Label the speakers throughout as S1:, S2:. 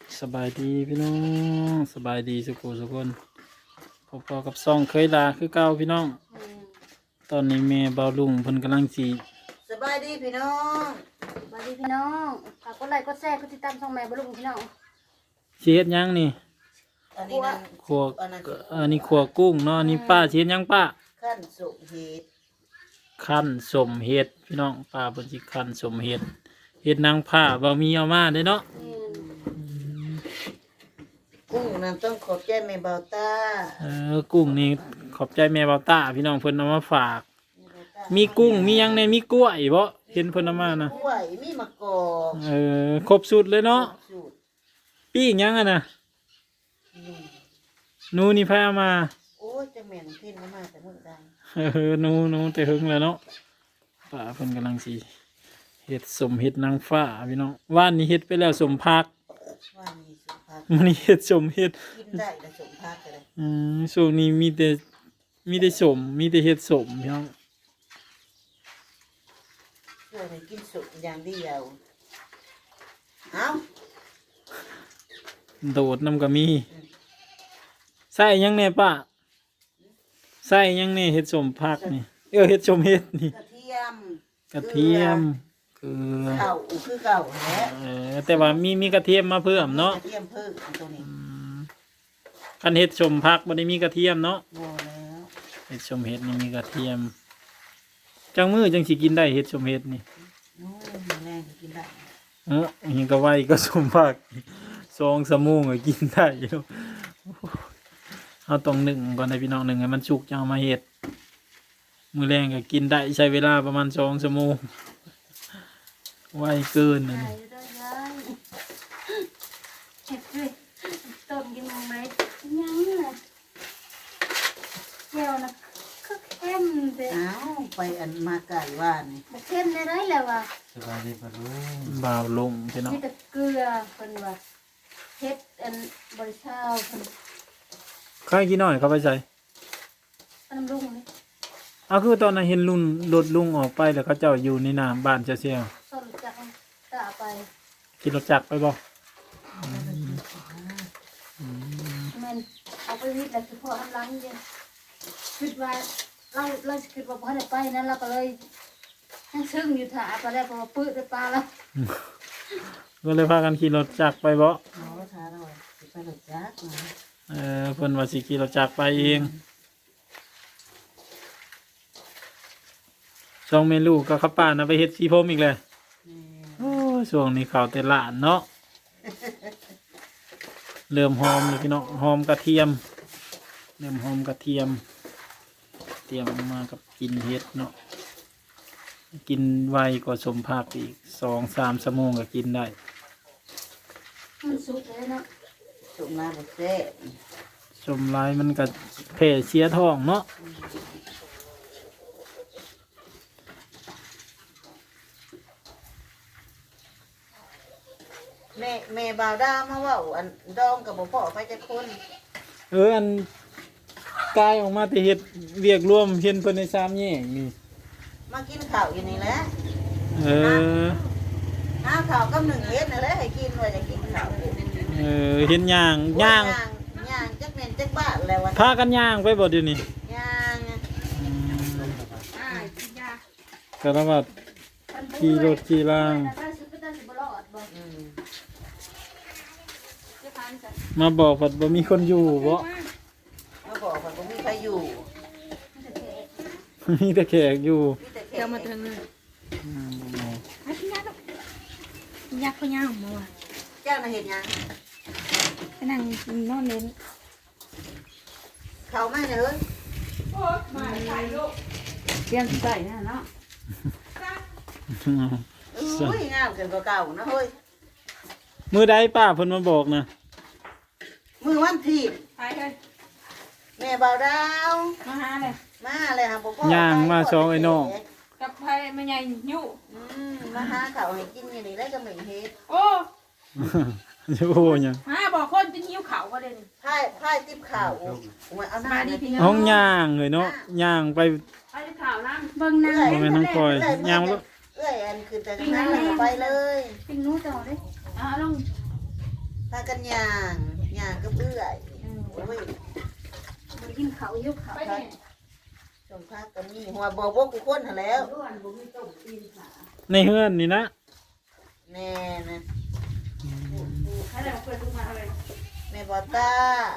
S1: สบายดีพี่น้องสบายดีสุขสุขคนพอกับซ่องเคยลาคือเก่าพี่น้องตอนนี้แม่เบาลุงเพิ่นกำลังจี
S2: สบายดีพี่น้อง
S3: สวัสดีพี่น้องฝากกดไลค์กดแชร์กดติดตามช่องแม่บลุงพี่น้อง
S1: สิเฮ็ดหยังนี่
S2: อันนี้นั่น
S1: ขัว
S2: อันนั้น
S1: อันนี้ขัวกุ้งเนาะอันนี้ป้าสิเฮ็ดหยังป้า
S2: ขั้นสุกเห็ด
S1: คั่นสมเฮ็ดพี่น้องป้าเพิ่นสิคั่นสมเฮ็ดเฮ็ดนางผ้าบ่มีเอามาเด้เนาะ
S2: กุ้งนั่นต้องขอบใจแม่เบาต้า
S1: กุ้งนี่ขอบใจแม่เบาต้าพี่น้องเพิ่นเอามาฝาก
S2: แม่เบาต้า
S1: มีกุ้งมีหยังในมีกล้วยบ่เห็นเพิ่นเอามานะ
S2: กล้วยมีมะกอก
S1: ครบสุดเลยเนาะ
S2: สูตร
S1: ปิ้งหยังอ่ะนะ
S2: นี่
S1: หนูนี่พามา
S2: โอ้ยจะเหม็นขึ้นมาแต่มื้อใด
S1: หนูแต่หึงแล้วเนาะป้าเพิ่นกำลังสิเฮ็ดสมเฮ็ดนางฟ้าพี่น้องว่านนี้เฮ็ดไปแล้วสมพัก
S2: ว่ามีสุภาพ
S1: มื้อนี้เฮ็ดสมเฮ็ด
S2: กินได้แต่สมภาพก็ได้
S1: ช่วงนี้มีแต่สมมีแต่เฮ็ดสมพี่น้อง
S2: เพื่อให้กินสุกอย่างเดียวเอ้า
S1: โดดน้ำก็มีใส่หยังแน่ป้าใส่หยังแน่เฮ็ดสมพักนี่เฮ็ดสมเฮ็ดนี่
S2: กระเทียม
S1: กระเทียมเกลือ
S2: เก่าคือเก่าแหละ
S1: แต่ว่ามีกระเทียมมาเพิ่มเนาะ
S2: กระเทียมเพิ่มตัวนี้
S1: คันเฮ็ดสมพักบ่ได้มีกระเทียมเนาะ
S2: บ่แล้ว
S1: เฮ็ดสมเฮ็ดนี่มีกระเทียมจังมือจังสิกินได้เฮ็ดสมเฮ็ดนี่
S2: โอ้ยมื้อแรงก็กินได้
S1: หิงก็ไว้ก็สมพัก2 ชั่วโมงก็กินได้อยู่เอาต้องนึ่งก่อนให้พี่น้องนึ่งให้มันสุกจังเอามาเฮ็ดมื้อแรงก็กินได้ใช้เวลาประมาณ2 ชั่วโมงไวเกิน
S3: ใช่
S1: นี่
S3: ด้วยยายเห็ดด้วยต้มกินมองไหมยังน่ะเจียวนะก็เข้มเด้อ
S2: อ้าวไปอันมาไก่ว่านี่
S3: บ่เข้มได้ไรแล้วว่ะ
S4: สบายดีปะลุง
S1: บ่าวลงพี่น้อง
S3: มีแต่เกลือเพิ่นว่าเฮ็ดอันบริชาวเพิ่น
S1: ข้าวกินหน่อยเข้าไปใส่
S3: อันน้ำลุงนี่
S1: เอาคือตอนนั้นเห็นลุงรถลุงออกไปแล้วเขาเจ้าอยู่ในน้ำบ้านเจ้าเสี่ยว
S3: ต้นจักรตาไป
S1: ขี่รถจักรไปบ่
S3: แม่นเอาไปวิทย์แล้วคือพอทำรังเด้คิดว่าเราคิดว่าบ่ได้ไปนั้นเราก็เลยยังซึ้งอยู่ท่าไปแล้วเพราะว่าปื้ดไปปลาแล้ว
S1: ก็เลยพากันขี่รถจักรไปบ่
S2: เอาทาเราสิไปหลบจักมา
S1: เพิ่นว่าสิขี่รถจักรไปเองสองเมลูกก็ขับป่านนะไปเฮ็ดสีผมอีกเลย
S2: นี่
S1: โอ้ยช่วงนี้เขาแต่ละเนาะ เริ่มหอมเลยพี่น้องหอมกระเทียมเริ่มหอมกระเทียมเตรียมมากับกินเฮ็ดเนาะกินไวกว่าสมภาคอีก2-3 ชั่วโมงก็กินได้
S3: มันสุกเลยเนาะ
S2: สุกมาบ่แซ่บ
S1: สมลายมันก็แผ่เสียท้องเนาะ
S2: แม่บ่าวดามาเว้าอันดองกับบ่พอไปจักคน
S1: อันกายออกมาแต่เฮ็ดเวียกร่วมเห็นเพิ่นใน3แยกนี่
S2: มากินข้าวอยู่นี่แหละ
S1: เออ
S2: หาข้าวกับหนึ่งเฮ็ดนั่นแหละให้กินว่าจะกินข้าว
S1: เห็นย่าง
S2: ย่างจักแม่นจักบ้านแล้วว่า
S1: พากันย่างไปบ่เดี๋ยวนี้
S2: ย่าง
S3: อ้ายกินยา
S1: ก็ต้องว่าขี่รถขี่ล่าง
S3: ได้สิบ่ได้สิบ่รอดบ่
S2: อืม
S3: จะทานจ้ะ
S1: มาบอกว่าบ่มีคนอยู่บ่
S2: มาบอกว่าบ่มีใครอยู่
S1: มีแต่แขกอยู่
S2: มีแต่แข
S5: เดี๋ยวมาเทิงเลยไอ้พี่ยักษ์ยักษ์พญาของมาว่ะ
S2: เจ้าน่ะเฮ็ดหยัง
S5: ไปนั่งนอนเล่น
S2: เข้ามาเด้อ
S5: เตรียมใส่นะเนาะ
S2: อุ้ยงามเกินกว่าเก่านะเฮ้ย
S1: มื้อใดป้าเพิ่นมาบอกนะ
S2: มือวันที่
S5: ไปเลย
S2: แม่บ่าวดาว
S5: มาหาเลย
S2: มาเลยหาบ่พอ
S1: ย่างมาสองไอ้น้อง
S5: กับไผแม่ใหญ่ยุ่
S2: มาหาข้าวให้กินอยู่นี่แล้วก็ไม่เฮ็ด
S5: โอ้
S1: จะโอ้หยัง
S5: มาบอกคนจะหิวเขาก็เลย
S2: พายติ๊บข้าวโอ้ยเอาหน้าดิพี่
S1: ห้องย่างเลยเนาะย่างไป
S5: ไปข่าวน้
S3: เบิ่งนาง
S1: บ่แม่นน้องคอยย่างบ่
S2: เอ้ยอันคือแต่นั้นแล้วก็ไปเลย
S3: ปิ้งหนูต่อเด้
S5: ำอ่าลง
S2: ถ้ากันย่างก็เบื่อยโอ้ย
S3: มันกินเขายุบเขาไปเนี่ย
S2: สมภากันนี่หัวบอกว่ากูคนหาแล้ว
S3: ด้วนบ่มีต้มตีนขา
S1: ในเฮือนนี่นะ
S2: แน่นะ
S3: ใครได้เปิดทุกมาเลย
S2: แม่บอต้า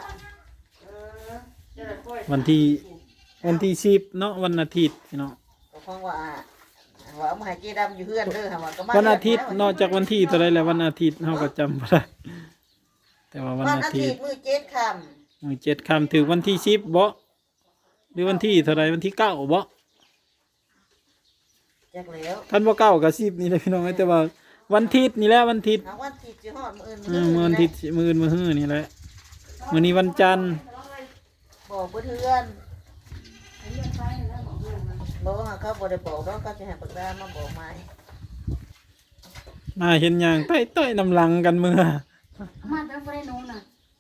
S3: จะได้ค่อย
S1: วันที่10เนาะวันอาทิตย์พี่น้อง
S2: ก็คงว่าเอามาให้เจดำอยู่เพื่อนเด้อค่ะว่าก็มา
S1: วันอาทิตย์นอกจากวันที่เท่าไรแล้ววันอาทิตย์เราก็จำบ่ได้แต่ว่าวัน
S2: วัน
S1: อา
S2: อา
S1: ทิ
S2: ทิ
S1: ต
S2: ต
S1: ย์
S2: ย์มื้อเจ็ดค่
S1: มื้อ7ค่ำถึงวันที่10บ่หรือวันที่เท่าไรวันที่9บ่
S2: ำจักแล้ว
S1: ท่านบ่9ก็10นี่แหละพี่น้องแต่ว่าวันอาทิตย์นี่แหละวันอาทิตย์
S2: เอาวันอาทิตย์สิฮอดมื้ออื่น
S1: มื้อวันอาทิตย์มื้ออื่นมื้อฮื้อนี่แหละมื้อนี้วันจันทร์
S2: บอกเพื่อนบอกว่าเขาบ่ได้บอกแล้วเขาจะให้ปากกามาบอกใหม่
S1: มาเห็นหยังต้อยๆน้ำหลังกันมื้อ
S3: มาแต่บ่ได้นูน่ะ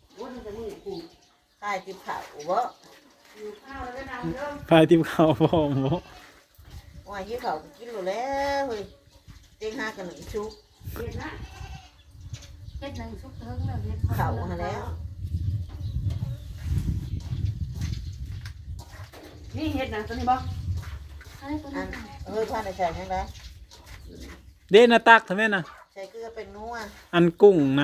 S2: ขายติบข้าวบ่
S3: ข้าวแล้วนำเด้อ
S1: พายติมข้าวพร้อมบ่
S2: ว่าหิวข้าวก็กินแล้วแหล้วเฮ้ยเต็งหากันหนึ่งชุก
S3: เฮ็ดนะเฮ็ดหนึ่งสุกเทิงแล้วเฮ็ด
S2: ข้าวหาแล้ว
S3: นี่เฮ็ดหนังตัวนี้บ่อันนี้ตัว
S2: อั
S3: นี้
S2: นเฮ้ยพ่อได้ใส่ยังไง
S1: เด้นะตักทำไมนะ
S2: ใส่เกลือเป็นนัว
S1: อันกุ้งนะ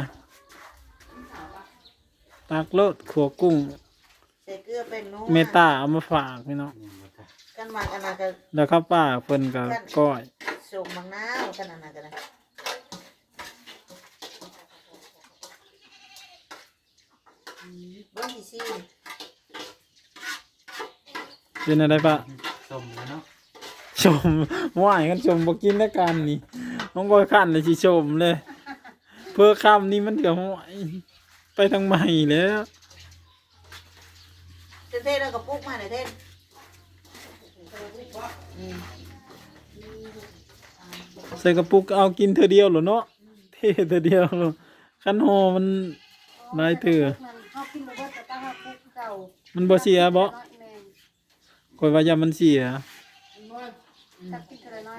S1: ตักโลดขัวกุ้ง
S2: ใส่เกลือเป็นนัว
S1: เมตาเอามาฝากพี่น้อง
S2: กันมากันนะก็
S1: แล้วข้าวป้าเพิ่นก็ก้อย
S2: ส่งมังนาวกันนะกันนะบ้านที่ซี
S1: เป็นอะไรปะ
S4: สมแล้วเนาะ
S1: ชมว่ายกันชมบ่กินแล้วกันนี่น้องบอยขันเลยสิชมเลย เพื่อคำนี้มันเดี๋ยวห้อยไปทางใหม่แล้ว
S2: เท่ๆแล้วก็ปุ๊กมาหน่อยเท่อืม
S1: ใส่กระปุกเอากินเธอเดียวเหรอเนาะเท่เธอเดียวเหรอคันโฮมันหลายเถื่อ
S3: เฮากินบ่เบิดแต่ตั้งเฮาปลูกเก่า
S1: มันบ่เสียบ่
S3: แม่น
S1: คอยว่ายามันเสีย
S3: ตักกินเท่าน้อย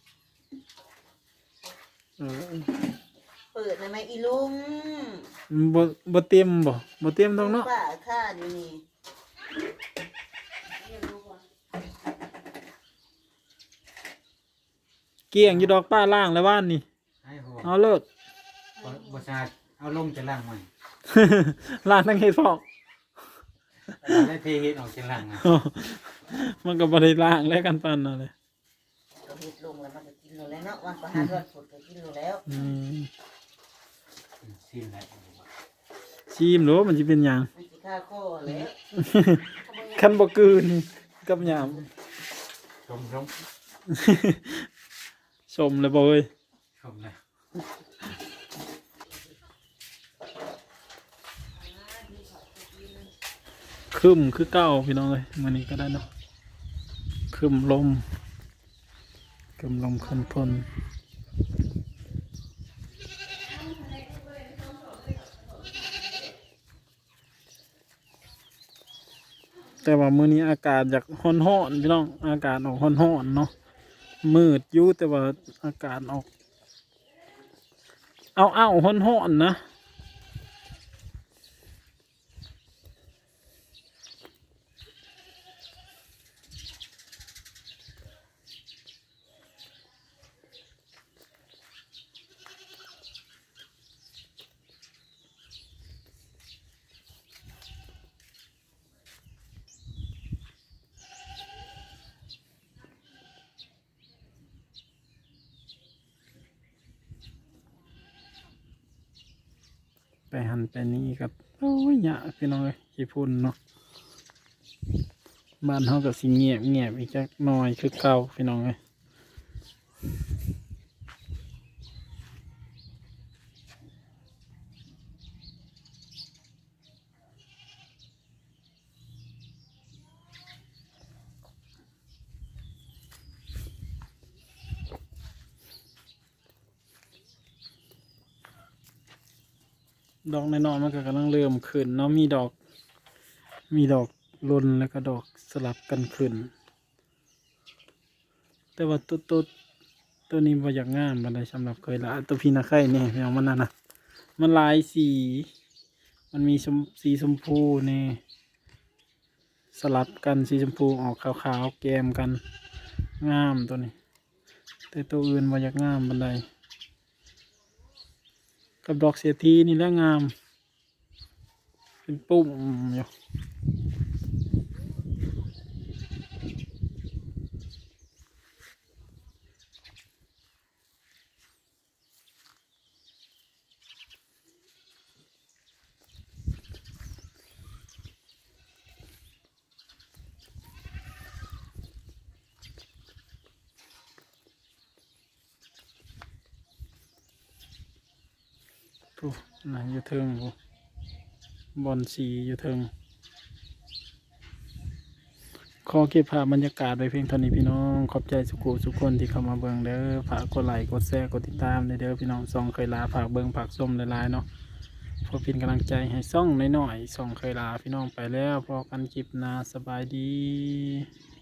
S1: เออ
S2: เปิดในไม้อีลุง
S1: มันบ่เต็มบ่เต็มตรงเนาะ
S2: ป้าข้าอยู่นี่
S1: เกี่ยงอยู่ดอกป้าล่างแล้วว่านนี่
S4: ให้หัว
S1: เอาเลิศ
S4: บชาเอาลงจะล่างใหม่
S1: ล่างทั้งเฮ็ดพอก
S4: แล้วเทเห็ดออกจะล่างอ่ะ
S1: มันก็บ่ได้ล่างแล้วกันปานนั่นเลย
S2: ก็เฮ็ดลงแล้วมันก็กินอยู่แล้วเนาะวันประหารวันฝนก็กินอยู่แล้ว
S1: อืม
S4: สิ้นแล้ว
S1: ชิมหรือว่ามันสิเป็นหยัง
S2: มันสิฆ่าข้อแล้ว
S1: คันบ่กลืนกับหยาม
S4: ชม
S1: ชมเลยบ่เอ้ย
S4: ชมแล้ว
S1: ครึ้มคือเก่าพี่น้องเอ้ยมื้อนี้ก็ได้เนาะครึ้มลมขึ้นพลแต่ว่ามื้อนี้อากาศอยากร้อนๆพี่น้องอากาศออกร้อนๆเนาะมืดอยู่แต่ว่าอากาศออกเอาร้อนๆนะไปหันไปนี่กับโอ้ยยากพี่น้องเอ้ยขี้พุ่นเนาะบ้านเฮาก็สิเงียบอีกจักหน่อยคือเก่าพี่น้องเอ้ย ดอกน้อยๆมันก็กำลังเริ่มขึ้นเนาะมีดอกลนแล้วก็ดอกสลับกันขึ้น แต่ว่าตัวนี้บ่อยากงามบันไดสำหรับเคยละตัวพี่นาไข่เนี่ยพี่น้องมันนั่นนะมันหลายสี มันมีสีชมพูนี่สลับกันสีชมพูออกขาวๆแกมกันงามตัวนี้ แต่ตัวอื่นบ่อยากงามบันไดกับดอกเสียทีนี่แหละงาม เป็นปุ่มอยู่ผู้น่ะอยู่เทิงผู้บอนสีอยู่เทิงขอเก็บภาพบรรยากาศไว้เพียงเท่านี้พี่น้อง ขอบใจสุกคนที่เข้ามาเบิ่งเด้อฝากกดไลค์กดแชร์กดติดตามเด้อพี่น้องส่องเคยลาฝากเบิ่งฝากส้มหลายๆเนาะเพื่อเป็นกำลังใจให้ส่องน้อยๆส่องเคยลาพี่น้องไปแล้วพอกันคลิปหน้าสบายดี